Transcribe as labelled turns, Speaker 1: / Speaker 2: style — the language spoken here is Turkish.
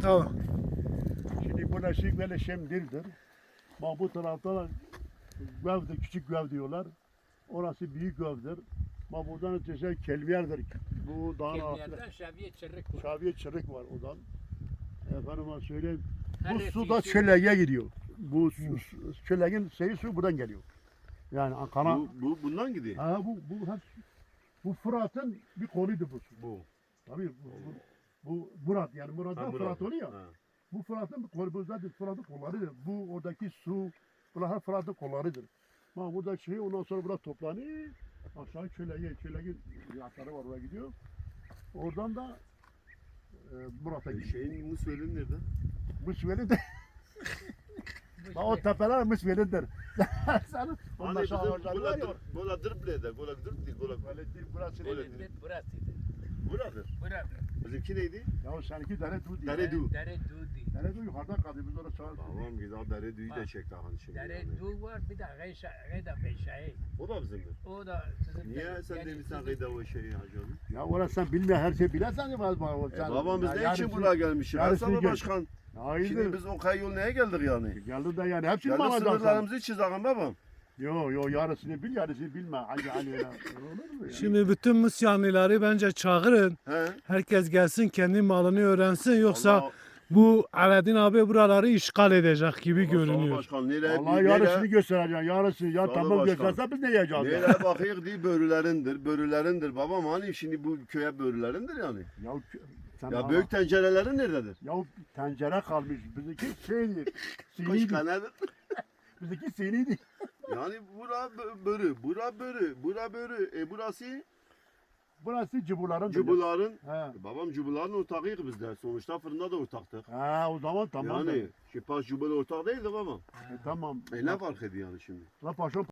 Speaker 1: Tamam.
Speaker 2: Şimdi bu neşik böyle şemdirdir. Bak bu tarafta da gövde, küçük göv diyorlar. Orası büyük gövdür. Bak buradan ötesi kelviyerdir. Bu dağın altında.
Speaker 3: Kelmiyerden Şaviye Çırrık var.
Speaker 2: Şaviye çırık var oradan. Efendime söyleyeyim. Bu
Speaker 3: Her
Speaker 2: su da
Speaker 3: etkisi-
Speaker 2: çöleğe gidiyor. Bu çöleğin suyu buradan geliyor. Yani kana.
Speaker 4: Bundan gidiyor.
Speaker 2: Ha bu hep bu Fırat'ın bir koluydu bu su.
Speaker 4: Bu.
Speaker 2: Tabii bu Murat yani Murat'tan Fırat oluyor ya.
Speaker 4: Ha.
Speaker 2: Bu Fırat'ın bir kolu, bu zaten Fırat'ın kollarıdır. Bu oradaki su, bunlar Fırat'ın kollarıdır. Bak burada şey ondan sonra burada toplanıyor. Aşağı çöleğin yatları var oraya gidiyor. Oradan da Murat'a gidiyor.
Speaker 4: Şeyin Musvel'in nerede?
Speaker 2: Mısveli de. Bak o tepeler Mısveli'dir. Sen
Speaker 4: Hani
Speaker 2: ondan
Speaker 4: bizim
Speaker 2: sonra ağaçlar var ya.
Speaker 4: gola dırblede, gola dırb değil, gola.
Speaker 2: Böyle değil, burası
Speaker 4: Öyle
Speaker 2: değil.
Speaker 4: değil.
Speaker 3: Burasıydı.
Speaker 4: Buradır.
Speaker 3: Burada.
Speaker 4: Bizimki neydi?
Speaker 2: Ya seninki dere du değil.
Speaker 4: Dere du.
Speaker 3: Dere Dudi.
Speaker 2: Dere du yukarıdan kaldı. Biz orada sağ.
Speaker 4: Tamam güzel dere düğü de çekti hani şimdi.
Speaker 3: Dere
Speaker 4: yani.
Speaker 3: Du var bir de Geyda Beşahi.
Speaker 4: O da bizimdir.
Speaker 3: O da sizin.
Speaker 4: Niye sen demişsen kıyda o şeyi hacı onu?
Speaker 2: Ya orası sen bilmiyor her şeyi bilirsen ya baba.
Speaker 4: Babamız ne için buraya gelmişiz?
Speaker 2: yarısını
Speaker 4: Hasan
Speaker 2: gel.
Speaker 4: Başkan.
Speaker 2: Hayırdır?
Speaker 4: Şimdi biz o kayı neye geldik yani?
Speaker 2: Geldi de yani hepsini mi
Speaker 4: Yani
Speaker 2: alacaksın?
Speaker 4: sınırlarımızı çizelim babam.
Speaker 2: Yo yarısını bil yarısını bilme. Hani öyle olur mu ya?
Speaker 1: Şimdi bütün Müslümanları bence çağırın.
Speaker 4: He?
Speaker 1: Herkes gelsin kendi malını öğrensin. Yoksa
Speaker 4: Allah-
Speaker 1: bu Aladdin abi buraları işgal edecek gibi
Speaker 4: Allah Sağ
Speaker 1: görünüyor.
Speaker 4: Başkan nereye
Speaker 2: Allah yarısını göstereceksin. Yarısını ya
Speaker 4: Sağ ol
Speaker 2: tamam
Speaker 4: başkan.
Speaker 2: göstersen biz ne yiyeceğiz? Ya,
Speaker 4: nereye bakıyık değil börülerindir. Babam hani şimdi bu köye börülerindir yani.
Speaker 2: ya sen
Speaker 4: Ya
Speaker 2: bana-
Speaker 4: büyük tencerelerin nerededir?
Speaker 2: Ya tencere kalmış. Bizimki şeydi.
Speaker 4: Kaç
Speaker 2: Siniydi.
Speaker 4: kanedir?
Speaker 2: Bizimki siniydi.
Speaker 4: Yani bura börü. Burası
Speaker 2: Burası cıbuların.
Speaker 4: cubuların.
Speaker 2: He.
Speaker 4: Babam cubuların ortağıyız biz de. Sonuçta fırında da ortaktık.
Speaker 2: Ha o zaman tamam.
Speaker 4: Yani şipas cubul ortak değildi babam.
Speaker 2: Tamam.
Speaker 4: Ne fark ediyor yani şimdi?
Speaker 2: La paşa